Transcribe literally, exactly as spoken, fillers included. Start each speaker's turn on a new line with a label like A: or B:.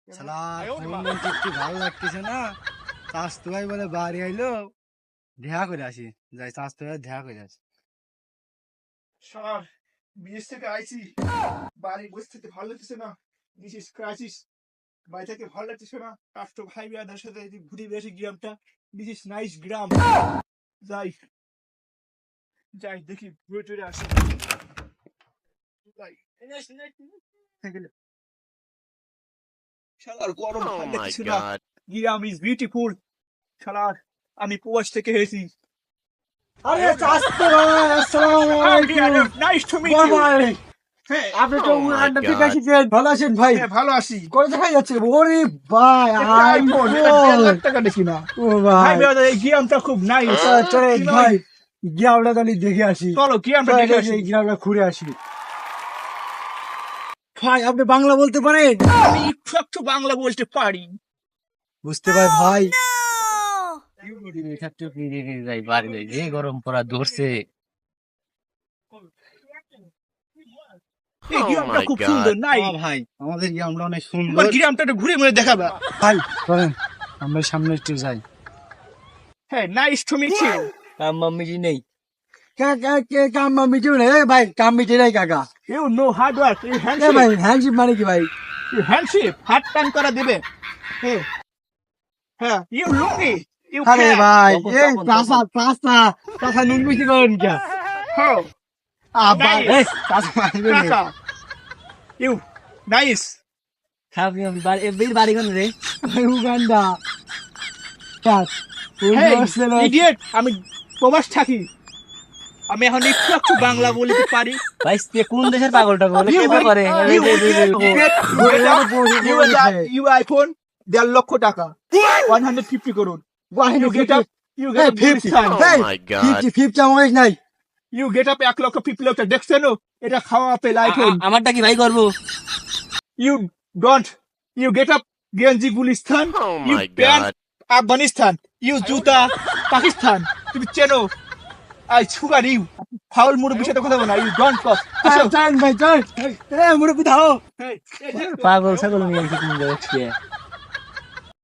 A: শালা ফোন টিপতে ভালো লাগতেছে না। স্বাস্থ্য ভাই বলে বাড়ি আইলো, দেখা করে আসি। যাই স্বাস্থ্য ভাই দেখা করে আসি।
B: শালার বিদেশ থেকে আইছি, বাড়ি বসে থেকে ভালো লাগতেছে না। দিস ক্রাইসিস, বাড়ি থেকে ভালো লাগতেছে না। রাষ্ট্র ভাই বিয়াদের সাথে যদি ঘুরে বেশি গ্রামটা, দিস ইস নাইস গ্রাম। যাই যাই দেখি ঘুরে টুরে আসি। যাই শালার গরম
C: Oh
B: ভালো
C: my
B: লাগতেছে না।
C: god.
B: গ্রাম ইজ বিউটিফুল। শালার আমি প্রবাস থেকে এসেছি।
A: আরে স্বাস্থ্য ভাই, আসসালামু আলাইকুম।
B: নাইস টু মিট
A: বড়
B: ইউ।
A: ভাই,
B: হ্যাঁ
A: আপনি তো
C: Oh my
A: উড়ানটা ঠিক
C: God.
A: আছেন? ভালো আছেন ভাই?
B: হ্যাঁ, ভালো আছি।
A: করে দেখা যাচ্ছে। ওরে ভাই,
B: আইফোন
A: আইফোন।
B: লাখ টাকা দেখি না।
A: ও
B: ভাই
A: ভাই,
B: বিয়াদের এই গ্রামটা খুব নাইস।
A: চল চলে ভাই, গ্রামটা তাহলে দেখে আসি।
B: চলো গ্রামটা
A: চল,
B: দেখে
A: চল,
B: আসি।
A: এই গ্রামটা ঘুরে আসি। ভাই আপনি বাংলা বলতে পারেন?
B: আমি একটু একটু বাংলা বলতে পারি।
A: বুঝতে পাই ভাই।
D: যে গরম পড়া ধরছে।
B: এই
C: Oh
B: গ্রামটা
C: my
B: খুব
C: God.
B: সুন্দর নাই?
A: হ্যাঁ ভাই, আমাদের গ্রামটা অনেক
B: তোমার
A: সুন্দর।
B: গ্রামটা একটু ঘুরে ঘুরে দেখাবা।
A: ভাই চলেন আমরা সামনে একটু যাই।
B: হ্যাঁ, নাইস টু মিট ইউ।
D: কাম মাম্মি নেই।
A: কে কে কে কাম মিটে না এ ভাই, কাম মিটে নাই কাকা।
B: You no hard work, you
A: a
B: handshake,
A: ভাই হ্যান্ডশিপ মানে কি ভাই?
B: ইউ হ্যান্ডশেক, হাত টান করা দেবে। হ্যাঁ হ্যাঁ, ইউ লুঙ্গি, ইউ
A: আরে
B: ক্যান।
A: ভাই,
D: তখন,
A: এই
D: তখন,
A: চাষা চাষা চাষা নুন মিশি করেন কে?
B: হাউ
A: আবার
B: Nice.
A: এই চাষা মারবে রে।
B: কাকা, ইউ নাইস।
D: খাবি আমি বাড়ি এর বাড়ি কোন রে?
A: উগান্ডা। কাট
B: হেই
A: উগান্ডা।
B: ইডিয়েট, আমি প্রবাস থাকি। আমি এখন একটু একটু বাংলা বলতে পারি।
D: ভাই সে কোন দেশের পাগলটা বলে কেমন করে?
B: You will get- you get- you get a- you will get- you iPhone দেড় লক্ষ টাকা, one hundred fifty করুন। You get up, you get up Gulistan.
C: Oh my God.
A: Fifty fifty আমার নাই।
B: You get up এক লক্ষ fifty লক্ষ দেখছেন? এটা খাওয়া আপেল আইফোন।
D: আমারটা কি ভাই করবো?
B: You don't. You get up গেঞ্জি Gulistan.
C: Oh
B: You
C: my
B: pant
C: God.
B: Afghanistan. You জুতা পাকিস্তান। তুমি চেনো? I sugar you. ফাউল মুরব্বির সাথে কথা বলো না। You don't talk. আসো।
A: চান ভাই চান। এ মুরব্বি দাও।
B: Hey, hey, hey.
D: পাগল ছাগল নিয়ে কি তুমি দেখছি?